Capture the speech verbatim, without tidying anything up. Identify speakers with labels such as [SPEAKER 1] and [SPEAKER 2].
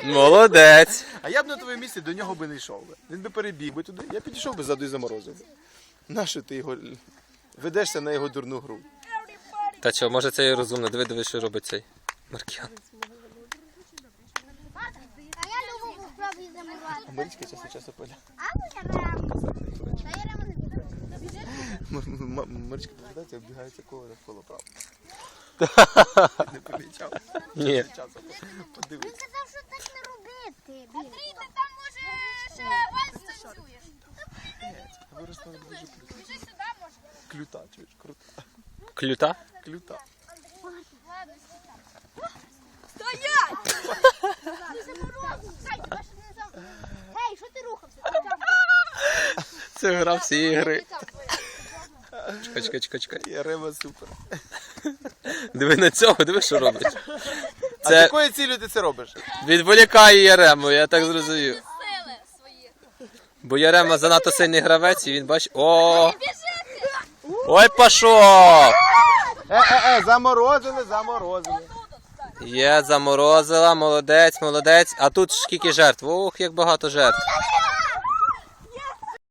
[SPEAKER 1] Молодець.
[SPEAKER 2] А я б на твоєму місці до нього би не йшов би. Він би перебіг би туди, я підійшов би ззаду і заморозив би. Нащо ти його ведешся на його дурну гру?
[SPEAKER 1] Та що, може це і розумно. Диви, диви, що робить цей Маркіян.
[SPEAKER 3] А я люблю попробую заморозити.
[SPEAKER 2] А Марічка часу часу поля.
[SPEAKER 3] А ну я рему. Та я рему не біжу.
[SPEAKER 2] Марічка повертається, оббігається коло навколо право. Не помічав.
[SPEAKER 1] Ні.
[SPEAKER 2] Часом. Подивись.
[SPEAKER 3] Він казав, що так не робити.
[SPEAKER 4] Андрій, ти там може ще вальс танцюєш?
[SPEAKER 2] Виросла дуже круто.
[SPEAKER 4] Біжи сюди, може.
[SPEAKER 2] Клюта, чуєш, крута.
[SPEAKER 1] Клюта?
[SPEAKER 2] Клюта.
[SPEAKER 4] Ладно, стоять!
[SPEAKER 3] Ти заморозив. Хай, тебе ще не зам... Гей, що ти рухався?
[SPEAKER 1] Це гра всі ігри. Чекай, чекай, чекай, чекай.
[SPEAKER 2] Я рема супер.
[SPEAKER 1] Диви на цього, диви, що робить.
[SPEAKER 2] А з
[SPEAKER 1] Це
[SPEAKER 2] якою цілею ти це робиш?
[SPEAKER 1] відволікає Ярему, я так зрозумів.
[SPEAKER 4] Сили свої.
[SPEAKER 1] Бо Ярема занадто сильний гравець і він бачить... О! Ой, пішов!
[SPEAKER 2] Е-е-е, заморозили, заморозили.
[SPEAKER 1] Є, заморозила, молодець, молодець. А тут скільки жертв? Ох, як багато жертв.